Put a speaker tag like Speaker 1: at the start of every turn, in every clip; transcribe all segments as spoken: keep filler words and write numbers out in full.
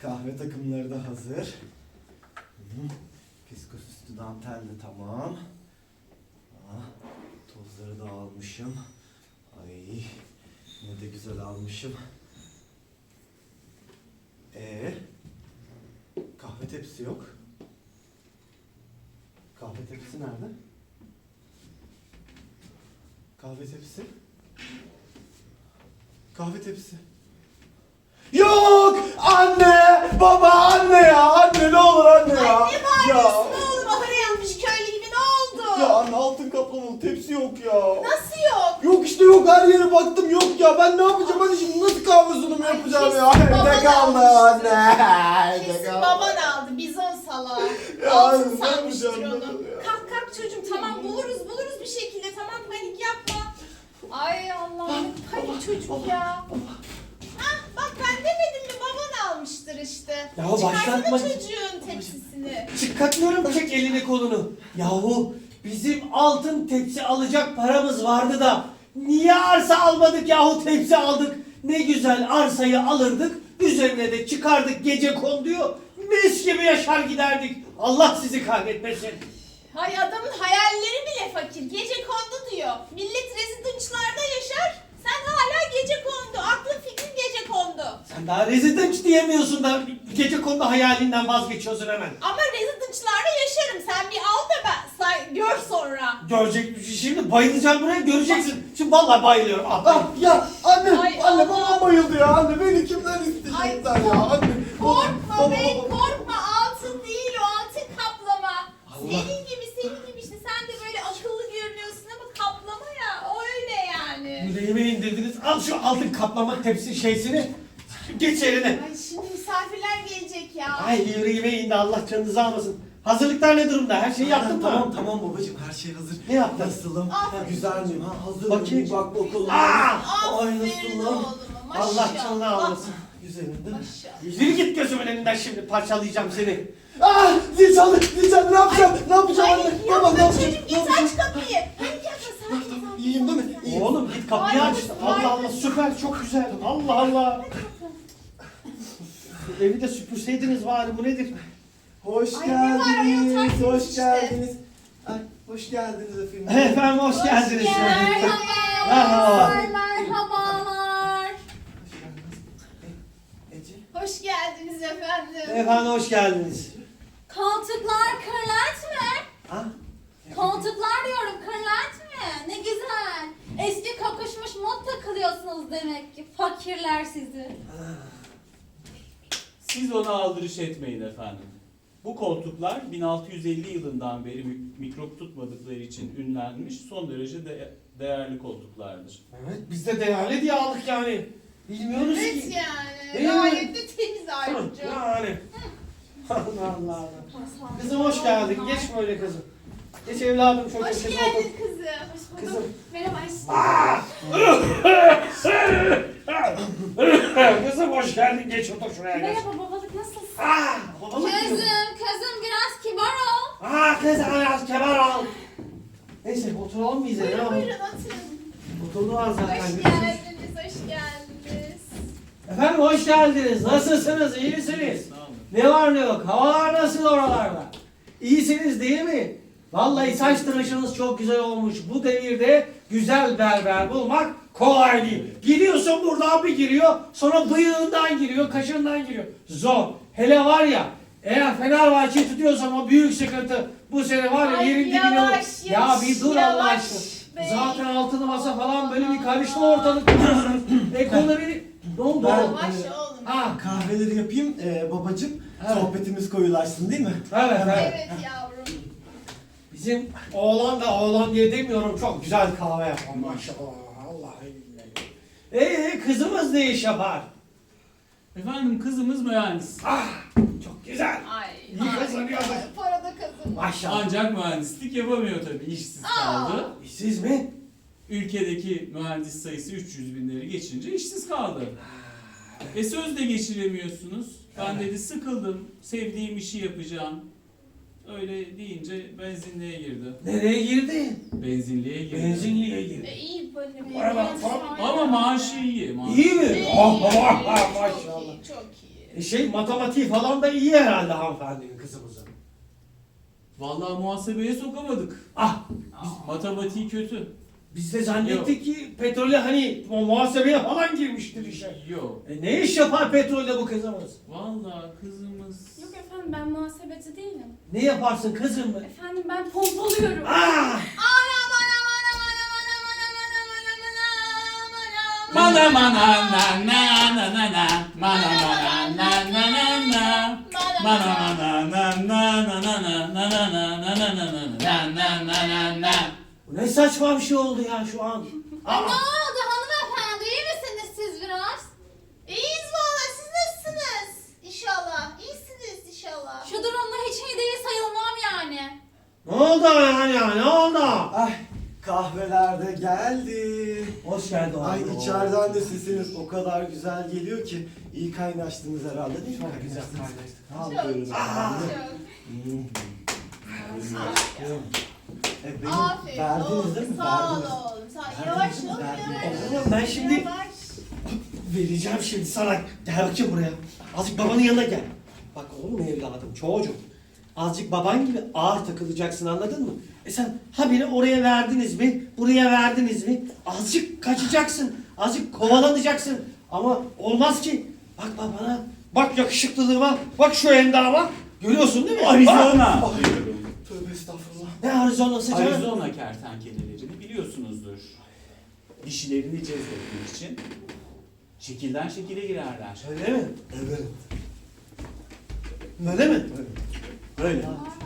Speaker 1: Kahve takımları da hazır. Hı. Fiskosüstü dantel de tamam. Ah, tozları da almışım. Ay, ne de güzel almışım. Ee, kahve tepsisi yok. Kahve tepsisi nerede? Kahve tepsisi? Kahve tepsisi. Yok! Anne! Baba anne ya! Anne ne olur anne ya!
Speaker 2: Anne
Speaker 1: Ya!
Speaker 2: bağırıyorsun oğlum. Ahıra yanmış köylü gibi ne oldu?
Speaker 1: Ya anne altın kaplamalı tepsi yok ya.
Speaker 2: Nasıl yok?
Speaker 1: Yok işte yok, her yere baktım yok ya. Ben ne yapacağım hadi şimdi, nasıl kahve sunumu
Speaker 2: Ay,
Speaker 1: yapacağım
Speaker 2: kesin
Speaker 1: ya?
Speaker 2: baban
Speaker 1: Evde kaldı
Speaker 2: almıştır.
Speaker 1: anne. Evde
Speaker 2: Kesin
Speaker 1: kaldı.
Speaker 2: baban aldı. Bizon salağı.
Speaker 1: Ya
Speaker 2: Altın
Speaker 1: anne, ne
Speaker 2: sanmıştır
Speaker 1: yapacağım
Speaker 2: onu.
Speaker 1: ben ya?
Speaker 2: Kalk kalk çocuğum tamam buluruz buluruz bir şekilde. Tamam panik yapma. Ay Allah'ım panik çocuk ya. Hah bak ben demedim mi baban almıştır işte.
Speaker 3: Ya
Speaker 2: Çıkarsana
Speaker 3: başlatma.
Speaker 2: çocuğun tepsisini.
Speaker 3: Çıkartmıyorum, çek elini kolunu. Yahu bizim altın tepsi alacak paramız vardı da niye arsa almadık yahu, tepsi aldık. Ne güzel arsayı alırdık, üzerine de çıkardık gece konduyu, mis gibi yaşar giderdik. Allah sizi kahretmesin.
Speaker 2: Hay adamın hayalleri bile fakir. Gece kondu diyor. Millet rezidançlarda yaşar. Sen hala gece kondu. Aklın fikrin gece kondu.
Speaker 3: Sen daha residence diyemiyorsun da gece kondu hayalinden vazgeçiyorsun hemen.
Speaker 2: Ama rezidançlarda yaşarım. Sen bir al da ben say, gör sonra.
Speaker 3: Görecek, şimdi bayılacağım buraya, göreceksin. Şimdi vallahi bayılıyorum. Ah,
Speaker 1: Ah ya anne,
Speaker 2: Ay,
Speaker 1: anne
Speaker 2: Allah.
Speaker 1: babam bayıldı ya anne. Beni kimden isteyeceksin
Speaker 2: Ay,
Speaker 1: sen ya anne?
Speaker 2: Korkma
Speaker 1: Baba,
Speaker 2: be
Speaker 1: baba.
Speaker 2: korkma. Altın değil o, altın kaplama.
Speaker 1: Allah.
Speaker 2: Senin gibi senin gibi işte. Sen de böyle akıllı görünüyorsun ama kaplama ya. O öyle yani.
Speaker 3: yüreğime indirdiniz. Al şu altın kaplama tepsi şeysini. Geç eline.
Speaker 2: Ay şimdi misafirler gelecek ya.
Speaker 3: Ay yüreğime indi, Allah canınızı almasın. Hazırlıklar ne durumda? Her şeyi yaptın mı?
Speaker 1: Tamam tamam babacığım, her şey hazır.
Speaker 3: Ne yaptın?
Speaker 1: Nasılım?
Speaker 2: Aferin.
Speaker 1: Güzel miyim ha? Hazır
Speaker 3: Bakayım.
Speaker 1: mıyım? Bak bakalım.
Speaker 3: Aa!
Speaker 1: Ay
Speaker 2: Aferin
Speaker 1: nasılım?
Speaker 2: oğluma, maşallah.
Speaker 3: Allah canını almasın.
Speaker 1: Güzelim değil mi?
Speaker 2: Maşallah.
Speaker 3: Yürü git gözümün önünden, şimdi parçalayacağım seni.
Speaker 1: Ah! Zil çaldı, zil çaldı. Ne yapacağım? Ne yapacağım
Speaker 2: Ay
Speaker 1: anne?
Speaker 2: yapma
Speaker 1: Baba ne yapacağım?
Speaker 2: çocuğum
Speaker 1: Ne
Speaker 2: git
Speaker 1: yapacağım?
Speaker 2: aç kapıyı. Panik yapma sakin sakin.
Speaker 1: İyiyim değil mi? İyiyim.
Speaker 3: Oğlum git kapıyı
Speaker 2: Ay,
Speaker 3: aç.
Speaker 2: ay.
Speaker 3: Allah Allah, süper, çok güzel. Allah Allah. Evi de süpürseydiniz bari, bu nedir?
Speaker 1: Hoş
Speaker 2: Ay, ne var? Ay,
Speaker 1: geldiniz.
Speaker 2: yatak
Speaker 1: Hoş
Speaker 2: işte.
Speaker 1: geldiniz. Ay, hoş geldiniz efendim.
Speaker 3: Efendim hoş geldiniz.
Speaker 2: Merhaba.
Speaker 3: Merhaba.
Speaker 2: Merhabalar.
Speaker 1: Hoş geldiniz. E, Ece.
Speaker 2: Hoş geldiniz efendim.
Speaker 3: Efendim hoş geldiniz.
Speaker 4: Koltuklar kırlent mi?
Speaker 1: Ah.
Speaker 4: Koltuklar diyorum kırlent mi? Ne güzel. Eski kokuşmuş mod takılıyorsunuz demek ki. Fakirler sizi.
Speaker 5: Siz ona aldırış etmeyin efendim. Bu koltuklar bin altı yüz elli yılından beri mik- mikrop tutmadıkları için ünlenmiş son derece de- değerli koltuklardır.
Speaker 3: Evet, biz de değerli diye aldık yani. Bilmiyoruz
Speaker 2: Evet
Speaker 3: ki.
Speaker 2: yani.
Speaker 3: Değil mi?
Speaker 2: Gayet de temiz ayrıca.
Speaker 3: Yani. Allah Allah. Kızım hoş geldin. Geç böyle kızım. Geç evladım, şöyle
Speaker 2: Hoş
Speaker 3: köşeye
Speaker 2: geldin
Speaker 3: otur.
Speaker 2: kızım. Hoş bulduk.
Speaker 3: Kızım.
Speaker 2: Merhaba aşkım.
Speaker 3: Kızım hoş geldin. Geç otur şuraya geç.
Speaker 4: Merhaba babalık nasılsın?
Speaker 3: Ah, babalık
Speaker 4: Kızım,
Speaker 3: diyorum.
Speaker 4: kızım biraz kibar ol.
Speaker 3: Ah kız biraz kemer al. Neyse oturalım biz de. Ne
Speaker 2: Buyurun
Speaker 3: yapalım?
Speaker 2: buyurun oturun.
Speaker 3: Oturdular zaten.
Speaker 2: Hoş geldiniz, hoş geldiniz.
Speaker 3: Efendim hoş geldiniz. Nasılsınız? İyi misiniz?
Speaker 5: Sağ olun.
Speaker 3: Ne var ne yok? Havalar nasıl oralarda? İyisiniz değil mi? Vallahi saç tıraşınız çok güzel olmuş. Bu devirde güzel berber bulmak kolay değil. Giriyorsun buradan bir giriyor, sonra bıyığından giriyor, kaşından giriyor. Zor. Hele var ya, eğer Fenerbahçe tutuyorsan o büyük sıkıntı. Bu sene var ya
Speaker 2: Ay,
Speaker 3: yerin dibine
Speaker 2: yavaş,
Speaker 3: vur. Ya
Speaker 2: yavaş,
Speaker 3: bir dur Allah
Speaker 2: yavaş
Speaker 3: aşkına.
Speaker 2: be.
Speaker 3: Zaten altılı masa falan böyle bir karıştı ortalık. Ekonomi ne oldu?
Speaker 1: Ben-
Speaker 2: Yavaş oğlum.
Speaker 3: Ha,
Speaker 1: Kahveleri yapayım ee, babacığım.
Speaker 3: Evet.
Speaker 1: Sohbetimiz koyulaşsın değil mi?
Speaker 3: evet evet.
Speaker 2: Evet yavrum.
Speaker 3: Bizim oğlan da oğlan diye demiyorum, çok güzel kahve yapar maşallah. Vallahi billahi. Ee kızımız ne iş yapar?
Speaker 5: Efendim kızımız mühendis.
Speaker 3: Ah çok güzel.
Speaker 2: Ay.
Speaker 3: İyi
Speaker 2: ay,
Speaker 3: kazanıyorsun.
Speaker 2: ay, Para da kazanıyor.
Speaker 3: Maşallah.
Speaker 5: Ancak mühendislik yapamıyor tabii, işsiz
Speaker 2: Aa.
Speaker 5: kaldı.
Speaker 3: Siz mi?
Speaker 5: Ülkedeki mühendis sayısı üç yüz binleri geçince işsiz kaldı. E sözle geçiremiyorsunuz. Ben dedi sıkıldım, sevdiğim işi yapacağım. Öyle deyince benzinliğe girdi.
Speaker 3: Nereye girdi?
Speaker 5: Benzinliğe girdi.
Speaker 3: Benzinliğe girdi.
Speaker 2: E, iyi böyle bir
Speaker 3: Para bak,
Speaker 2: genç
Speaker 3: para-
Speaker 2: var
Speaker 5: Ama
Speaker 2: ya.
Speaker 5: maaşı iyi. Maaşı
Speaker 3: İyi mi?
Speaker 2: İyi,
Speaker 3: Oh,
Speaker 2: iyi,
Speaker 3: oh,
Speaker 2: iyi,
Speaker 3: oh,
Speaker 2: çok
Speaker 3: maşallah.
Speaker 2: iyi, çok iyi.
Speaker 3: E şey matematiği falan da iyi herhalde hanımefendinin kızımızın.
Speaker 5: Vallahi muhasebeye sokamadık.
Speaker 3: Ah
Speaker 5: Biz, matematiği kötü.
Speaker 3: biz de zannettik ki petrole hani o muhasebeye falan girmiştir işe.
Speaker 5: Yok.
Speaker 3: E ne iş yapar petrolde bu kızımız?
Speaker 5: Vallahi kızımız...
Speaker 4: Yok efendim ben muhasebeci değilim.
Speaker 3: Ne yaparsın kızım?
Speaker 4: Efendim ben pompalıyorum.
Speaker 3: Ah!
Speaker 5: Mana mana na na na na na mana mana na na na na mana mana na na na na na na na na na na na na na na na.
Speaker 3: Bu ne saçma bir şey oldu ya şu an.
Speaker 4: Ay, ne
Speaker 3: Aa!
Speaker 4: oldu hanımefendi? İyi misiniz siz biraz?
Speaker 2: İyiyiz valla, siz nasılsınız? İnşallah. İyisiniz inşallah.
Speaker 4: Şu durumda hiç iyi değil sayılmam yani.
Speaker 3: Ne oldu yani ya ne oldu?
Speaker 1: Ay kahveler de geldi.
Speaker 3: Hoş geldin abi.
Speaker 1: Ay içeriden de sesiniz o kadar güzel geliyor ki iyi kaynaştınız herhalde değil mi?
Speaker 3: Çok güzel
Speaker 1: Al
Speaker 2: Çok,
Speaker 1: buyurun
Speaker 2: çok,
Speaker 1: efendim.
Speaker 2: çok.
Speaker 1: Hmm. E, benim
Speaker 2: Aferin
Speaker 1: verdiniz
Speaker 2: oğlum,
Speaker 1: değil mi?
Speaker 2: sağ ol
Speaker 1: Verdiniz.
Speaker 2: oğlum. Sağ
Speaker 1: Verdiniz
Speaker 2: Yavaş
Speaker 1: mi?
Speaker 2: ol,
Speaker 1: Verdiniz.
Speaker 2: yavaş.
Speaker 3: Oğlum ben şimdi
Speaker 2: Yavaş.
Speaker 3: vereceğim şimdi sana. Gel bakayım buraya. Azıcık babanın yanına gel. Bak oğlum evladım çocuğum. Azıcık baban gibi ağır takılacaksın anladın mı? E sen habire oraya verdiniz mi? Buraya verdiniz mi? Azıcık kaçacaksın. Azıcık kovalanacaksın. Ama olmaz ki. Bak babana. Bak yakışıklılığıma. Bak şu endama. Görüyorsun değil mi?
Speaker 5: Arizona.
Speaker 3: Bak.
Speaker 1: Tövbe estağfurullah.
Speaker 3: Ne Arizona'sı canım?
Speaker 5: Arizona kertenkelelerini biliyorsunuzdur. Dişilerini cezbetmek için şekilden şekile girerler.
Speaker 3: Öyle mi?
Speaker 1: Evet.
Speaker 3: Öyle mi?
Speaker 5: Böyle.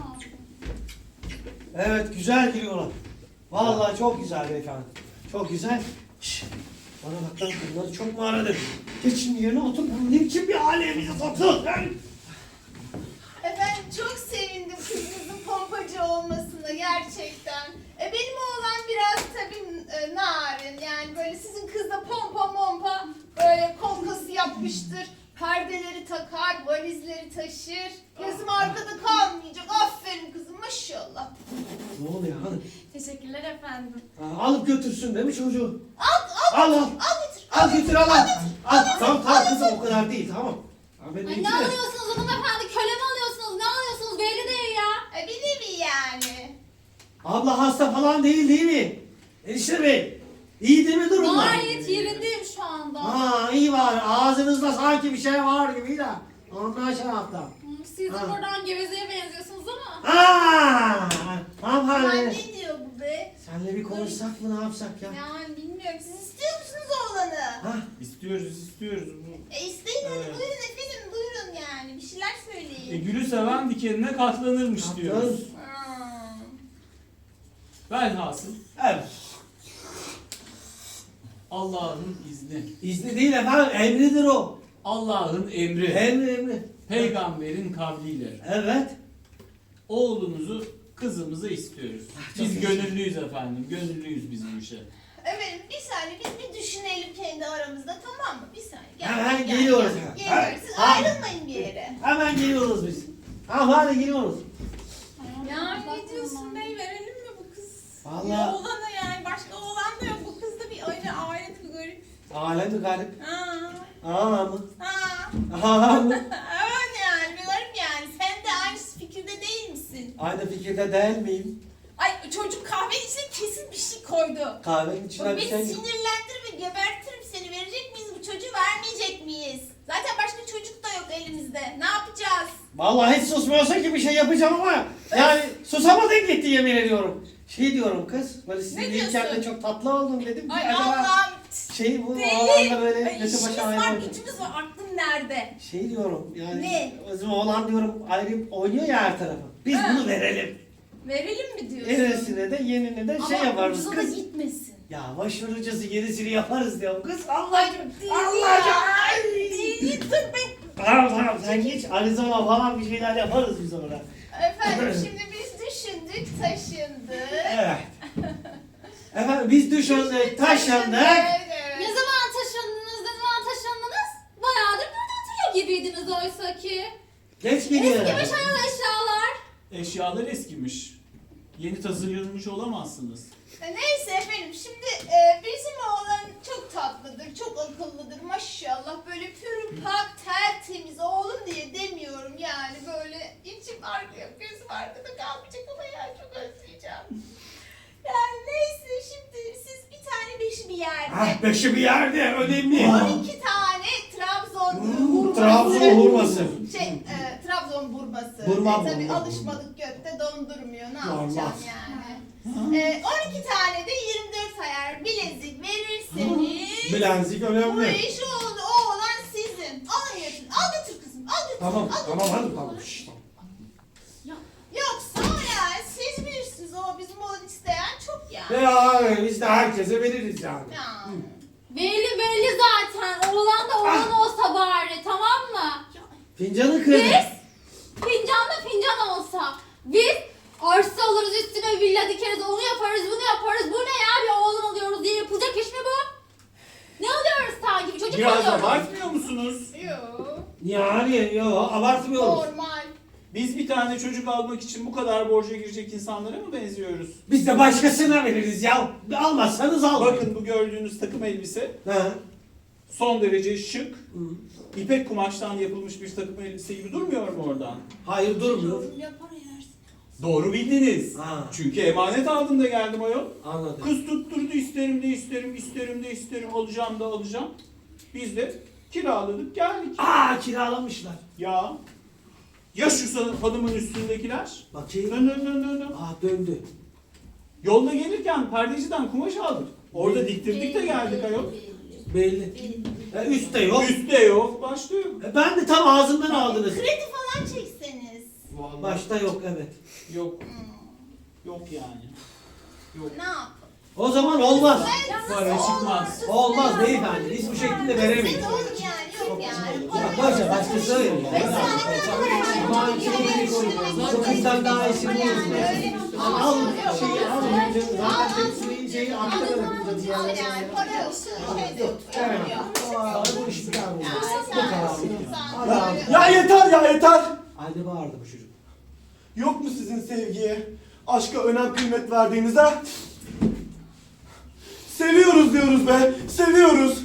Speaker 3: Evet güzel giriyorlar. Vallahi çok güzel beyefendi. Çok güzel. Şş, bana bak lan bunları çok mu aradın? Geç şimdi yerine otur. Bu ne biçim bir hale bizi soktu?
Speaker 2: Efendim çok sevindim kızınızın pompacı olmasına gerçekten. E, benim oğlan biraz tabii e, narin, yani böyle sizin kız da pompa mompa böyle kolkası yapmıştır. Perdeleri takar, valizleri taşır. Gözüm arkada kalmayacak. Aferin kızım maşallah.
Speaker 3: Ne oluyor hanım?
Speaker 4: Teşekkürler efendim.
Speaker 3: Ha, alıp götürsün değil mi çocuğu?
Speaker 2: Al, al,
Speaker 3: Al al.
Speaker 2: al getir.
Speaker 3: Al götür al al. Al tamam tamam kızım o kadar değil tamam. Ha, ben de
Speaker 4: Ay ne
Speaker 3: getireyim.
Speaker 4: alıyorsunuz hanımefendi? Köle mi alıyorsunuz? Ne alıyorsunuz? Belli değil ya.
Speaker 2: E, bir nevi yani.
Speaker 3: Abla hasta falan değil değil mi? Enişte bey. İyi değil mi durumlar?
Speaker 4: Gayet yerindeyim şu anda.
Speaker 3: Ha iyi var. Ağzınızda sanki bir şey var gibi de. Ondan şey yaptım.
Speaker 4: Hı, Siz de
Speaker 3: Ha.
Speaker 4: buradan gevezeye benziyorsunuz ama.
Speaker 3: Aaa!
Speaker 2: Ay,
Speaker 3: Hanımefendi.
Speaker 2: ne diyor bu be?
Speaker 3: Senle bir konuşsak mı ne yapsak ya?
Speaker 2: Yani bilmiyorum. Siz istiyor musunuz oğlanı?
Speaker 3: Ha?
Speaker 5: İstiyoruz istiyoruz. Bu-
Speaker 2: E isteyin hadi,
Speaker 5: Evet.
Speaker 2: buyurun efendim, buyurun yani. Bir şeyler
Speaker 5: E,
Speaker 2: söyleyin.
Speaker 5: gülü seven dikenine katlanırmış diyoruz.
Speaker 2: Hmm.
Speaker 5: Velhasıl
Speaker 3: Evet.
Speaker 5: Allah'ın izni,
Speaker 3: İzni değil efendim emridir o.
Speaker 5: Allah'ın emri,
Speaker 3: Emri emri.
Speaker 5: peygamberin kavliyle
Speaker 3: Evet.
Speaker 5: oğlunuzu kızımıza istiyoruz.
Speaker 3: çok
Speaker 5: Biz
Speaker 3: iyi.
Speaker 5: gönüllüyüz efendim, gönüllüyüz biz bu işe.
Speaker 2: Efendim bir saniye, biz bir düşünelim kendi aramızda, tamam mı? Bir saniye. Gel,
Speaker 3: Hemen
Speaker 2: gel,
Speaker 3: geliyoruz.
Speaker 2: Gel,
Speaker 3: Hemen.
Speaker 2: geliyoruz. Siz
Speaker 3: Hemen.
Speaker 2: ayrılmayın bir yere.
Speaker 3: Hemen geliyoruz biz. Hanımefendi geliyoruz.
Speaker 2: Ya ne diyorsun bey, verelim mi bu kız?
Speaker 3: Vallahi-
Speaker 2: Ya oğlana yani, başka oğlan da yok. Bu kız da bir ayrı alet, bir garip.
Speaker 3: Alem mi garip?
Speaker 2: Ha.
Speaker 3: Aa mı?
Speaker 2: Ha.
Speaker 3: Aa mı?
Speaker 2: Evet yani, bir garip yani. Sen de aynı fikirde değil misin?
Speaker 3: Aynı fikirde değil miyim?
Speaker 2: Ay çocuk kahvenin içine kesin bir şey koydu.
Speaker 3: Kahvenin içine
Speaker 2: Bak
Speaker 3: bir
Speaker 2: beni
Speaker 3: şey...
Speaker 2: sinirlendir ve gebertirim seni. Verecek miyiz bu çocuğu, vermeyecek miyiz? Zaten başka çocuk da yok elimizde. Ne yapacağız?
Speaker 3: Vallahi hiç susmuyorsa ki bir şey yapacağım ama yani susamadın gitti yemin ediyorum. Şey diyorum kız, böyle sizin
Speaker 2: Ne
Speaker 3: değilken de
Speaker 2: diyorsun?
Speaker 3: çok tatlı oldum dedim ki
Speaker 2: Ay
Speaker 3: acaba
Speaker 2: Allah'ım.
Speaker 3: şey bu
Speaker 2: Deli.
Speaker 3: oğlanla böyle
Speaker 2: Ay,
Speaker 3: götü
Speaker 2: işimiz
Speaker 3: başa
Speaker 2: var,
Speaker 3: ayrı.
Speaker 2: gücümüz var. Aklın nerede?
Speaker 3: Şey diyorum yani
Speaker 2: Ne?
Speaker 3: bizim oğlan diyorum ayrı oynuyor ya her tarafı. Biz
Speaker 2: Ha.
Speaker 3: bunu verelim.
Speaker 2: Verelim mi diyorsun?
Speaker 3: Eresine de yenine de şey
Speaker 2: Ama
Speaker 3: yaparız
Speaker 2: ucuza da
Speaker 3: kız.
Speaker 2: gitmesin.
Speaker 3: Ya başvurucusu gerisini yaparız diyorum kız. Allah
Speaker 2: Ay deli
Speaker 3: Allah
Speaker 2: ya.
Speaker 3: ya.
Speaker 2: Deli dur be.
Speaker 3: Tamam tamam sen geç Arizona falan bir şeyler yaparız biz orada.
Speaker 2: Efendim şimdi biz düşündük, taşındık.
Speaker 3: Evet. Efendim biz düşündük, taşındık.
Speaker 2: Evet, evet.
Speaker 4: Ne zaman taşındınız? Ne zaman taşındınız? Bayağıdır burada oturuyor gibiydiniz oysa ki.
Speaker 3: Geç geliyor.
Speaker 4: Eskimiş ayol eşyalar.
Speaker 5: Eşyalar eskimiş. Yeni tasarlanmış olamazsınız.
Speaker 2: E, Neyse efendim şimdi e, bizim oğlan çok tatlıdır, çok akıllıdır maşallah. Böyle pürü pak, tertemiz, oğlan bir yerde.
Speaker 3: Ah beşi bir yerde önemli.
Speaker 2: on iki tane Trabzon hurması.
Speaker 3: Trabzon hurması.
Speaker 2: Şey, e, Trabzon burması.
Speaker 3: Burma,
Speaker 2: e, tabii
Speaker 3: burma,
Speaker 2: alışmadık gökte dondurmuyor. Ne
Speaker 3: Olmaz.
Speaker 2: yapacağım yani? E, on iki tane de yirmi dört ayar bilezik verirseniz
Speaker 3: Bilezik
Speaker 2: bu
Speaker 3: önemli.
Speaker 2: iş oldu. O olan sizin. Alın götürün. Al götür kızım. Al götür.
Speaker 3: Tamam
Speaker 2: al
Speaker 3: tamam
Speaker 2: götür.
Speaker 3: hadi tamam. Şşş, tamam.
Speaker 2: Yoksa o yani siz bilirsiniz. O bizim oğlan isteyen çok yani.
Speaker 3: Ya biz de herkese veririz yani.
Speaker 2: Ya.
Speaker 4: Belli belli zaten. Oğlan da oğlan olsa bari, tamam mı?
Speaker 3: Fincanı kırdı.
Speaker 4: Biz fincan da fincan olsa. Biz arsa alırız, üstüne villa dikeriz, onu yaparız, bunu yaparız. Bu ne ya, bir oğlan alıyoruz diye yapılacak iş mi bu? Ne alıyoruz sanki, bir çocuk
Speaker 5: Biraz
Speaker 4: alıyoruz.
Speaker 5: abartmıyor musunuz?
Speaker 2: Yok.
Speaker 3: Yani yok abartmıyoruz.
Speaker 2: Normal.
Speaker 5: Biz bir tane çocuk almak için bu kadar borca girecek insanlara mı benziyoruz?
Speaker 3: Biz de başkasına veririz ya. Almazsanız almayın.
Speaker 5: Bakın bu gördüğünüz takım elbise
Speaker 3: Ha.
Speaker 5: son derece şık,
Speaker 3: Hı.
Speaker 5: ipek kumaştan yapılmış bir takım elbise gibi durmuyor mu oradan?
Speaker 3: Hayır durmuyor.
Speaker 2: Yapar yersin.
Speaker 5: Doğru bildiniz.
Speaker 3: Ha.
Speaker 5: Çünkü emanet aldım da geldim ayol.
Speaker 3: Anladım.
Speaker 5: Kız tutturdu isterim de isterim, isterim de isterim, alacağım da alacağım. Biz de kiraladık geldik.
Speaker 3: Aa kiralamışlar.
Speaker 5: Ya ya şu sa- hanımın üstündekiler?
Speaker 3: Bakayım.
Speaker 5: Dön dön dön dön dön.
Speaker 3: Aa döndü.
Speaker 5: Yolda gelirken perdeciden kumaş aldık. Orada
Speaker 3: Ne?
Speaker 5: diktirdik de geldik ayol.
Speaker 3: Belli. E, üstte yok.
Speaker 5: Üstte yok, başta yok.
Speaker 3: E, ben de tam ağzımdan aldınız.
Speaker 2: Kredi falan çekseniz.
Speaker 5: Vallahi
Speaker 3: Başta yok evet.
Speaker 5: yok,
Speaker 2: Hmm.
Speaker 5: yok yani. Yok.
Speaker 2: Ne yapalım?
Speaker 3: O zaman olmaz.
Speaker 5: Para çıkmaz.
Speaker 3: Olmaz beyefendi. Biz bu şekilde veremeyiz.
Speaker 2: Siz olur yani yok yani.
Speaker 3: Ya boşver başkası verir
Speaker 2: Beş
Speaker 3: ya.
Speaker 2: tane kadar
Speaker 3: Aman çok iyi koydun. Çok kızdan daha iyisini bulursun. Al şeyi al. Zaten tepsiyi şeyi akta bırakacağız ya.
Speaker 2: Al yani para yok. Şeyde
Speaker 3: Yok.
Speaker 2: oturuyor.
Speaker 3: Evet. Aa, bu iş bir tane oldu.
Speaker 2: Yani
Speaker 3: Bu kadar.
Speaker 2: sen-
Speaker 3: Adam.
Speaker 2: sen-
Speaker 6: Ya yeter ya yeter.
Speaker 3: Halde bağırdı bu çocuk.
Speaker 6: Yok mu sizin sevgiye, aşka önem kıymet verdiğiniz ha? Seviyoruz diyoruz be, seviyoruz.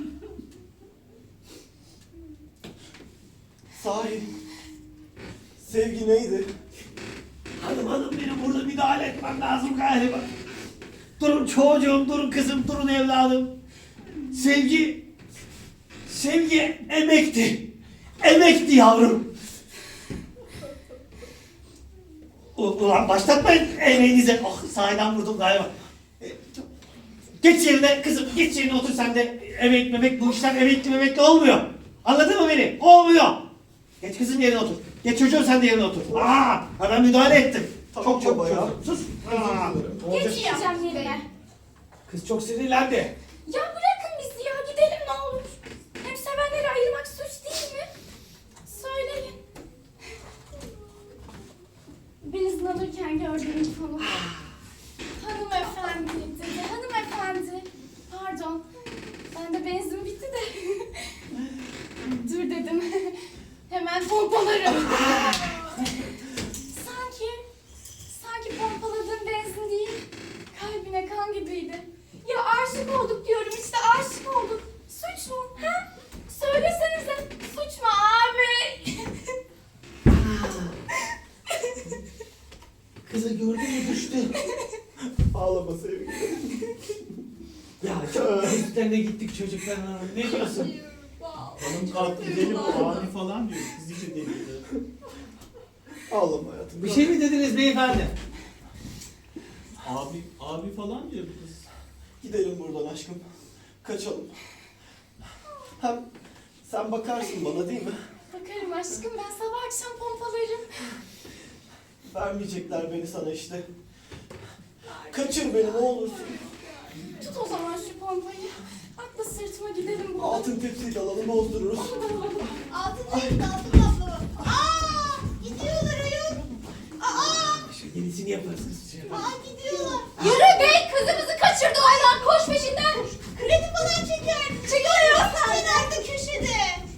Speaker 6: Sahi, sevgi neydi?
Speaker 3: Hanım hanım benim burada müdahale etmem lazım galiba. Durun çocuğum, durun kızım, durun evladım. Sevgi, sevgi emekti. Emekti yavrum. U- Ulan başlatmayın emeğinize. Oh sahiden vurdum galiba. E, Geç yerine kızım, geç yerine otur sen de. Emek memek bu işler emekli memekli olmuyor. Anladın mı beni? Olmuyor. Geç kızım yerine otur. Geç çocuğum sen de yerine otur. Aa, ben müdahale ettim.
Speaker 6: Tamam
Speaker 3: çok çok
Speaker 6: baba ya.
Speaker 3: çok. Sus. Aa, olacak.
Speaker 4: Geçeceğim yerine.
Speaker 3: Kız çok sinirlendi.
Speaker 4: Ya bırakın bizi ya, gidelim ne olur. Hem sevenleri ayırmak suç değil mi? Söyleyin. Benzin alırken gördüğüm konu. Hanımefendi dedi, hanımefendi. Pardon, ben de benzin bitti de. Dur dedim. Hemen pompalarım. sanki, sanki pompaladığım benzin değil, kalbine kan gibiydi. Ya aşık olduk diyorum işte, aşık olduk. Suç mu? Ha? Söylesenize, suç mu abi?
Speaker 3: Kızı gördün mü düştü.
Speaker 6: Ağlama sevgi.
Speaker 3: Ya çok üstlerine gittik çocukların. Ne diyorsun?
Speaker 5: Hanım kalk gidelim abi falan diyor. Kız iyice delirdi.
Speaker 6: Ağlama hayatım.
Speaker 3: Bir şey mi dediniz beyefendi?
Speaker 5: Abi, abi falan diyor bu kız.
Speaker 6: Gidelim buradan aşkım. Kaçalım. Hem sen bakarsın bana değil mi?
Speaker 4: Bakarım aşkım, ben sabah akşam pompalarım.
Speaker 6: Vermeyecekler beni sana işte. Kaçır beni ne olursun.
Speaker 4: Tut o zaman şu pompayı. Atla sırtıma, gidelim buradan.
Speaker 6: Altın tepsiyle alalım bozdururuz.
Speaker 2: Altın değil, altın kaplı. Aa, gidiyorlar ayol. Aa,
Speaker 3: Şu yenisini yaparız kız. Şey yaparız.
Speaker 2: aa gidiyorlar.
Speaker 4: Yürü bey, kızımızı kaçırdı oradan, koş peşinden.
Speaker 2: Kredi falan çeker. Çekiyor. Sen nerede köşede?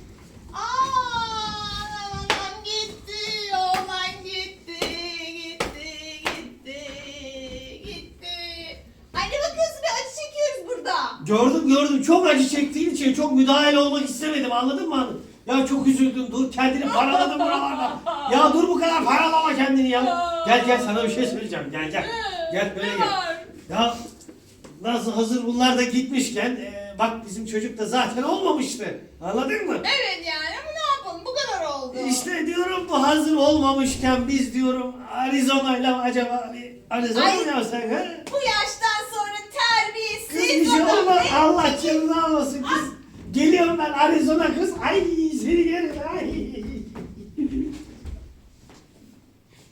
Speaker 2: Aa, aman gitti, aman gitti, gitti, gitti, gitti. Ay ne bakıyorsun be, acı çekiyoruz burada.
Speaker 3: Gördüm gördüm. Çok acı çektiğin için çok müdahale olmak istemedim. Anladın mı hanım? Ya çok üzüldüm. Dur kendini paraladın buralarda. Ya dur bu kadar paralama kendini ya. Gel gel sana bir şey söyleyeceğim. Gel gel. Gel böyle gel. Ya nasıl hazır bunlar da gitmişken e, bak bizim çocuk da zaten olmamıştı. Anladın mı?
Speaker 2: Evet yani ama ne yapalım bu kadar oldu.
Speaker 3: İşte diyorum bu hazır olmamışken biz diyorum Arizona'yla acaba bir Arizona
Speaker 2: Ay.
Speaker 3: mı yapsak ha?
Speaker 2: Bu yaştan sonra
Speaker 3: Kız
Speaker 2: terbiyesiz
Speaker 3: bir şey
Speaker 2: adam
Speaker 3: olmaz.
Speaker 2: ne?
Speaker 3: Allah canını almasın kız. Geliyorum ben Arizona kız. Ay seni yerim. Ay.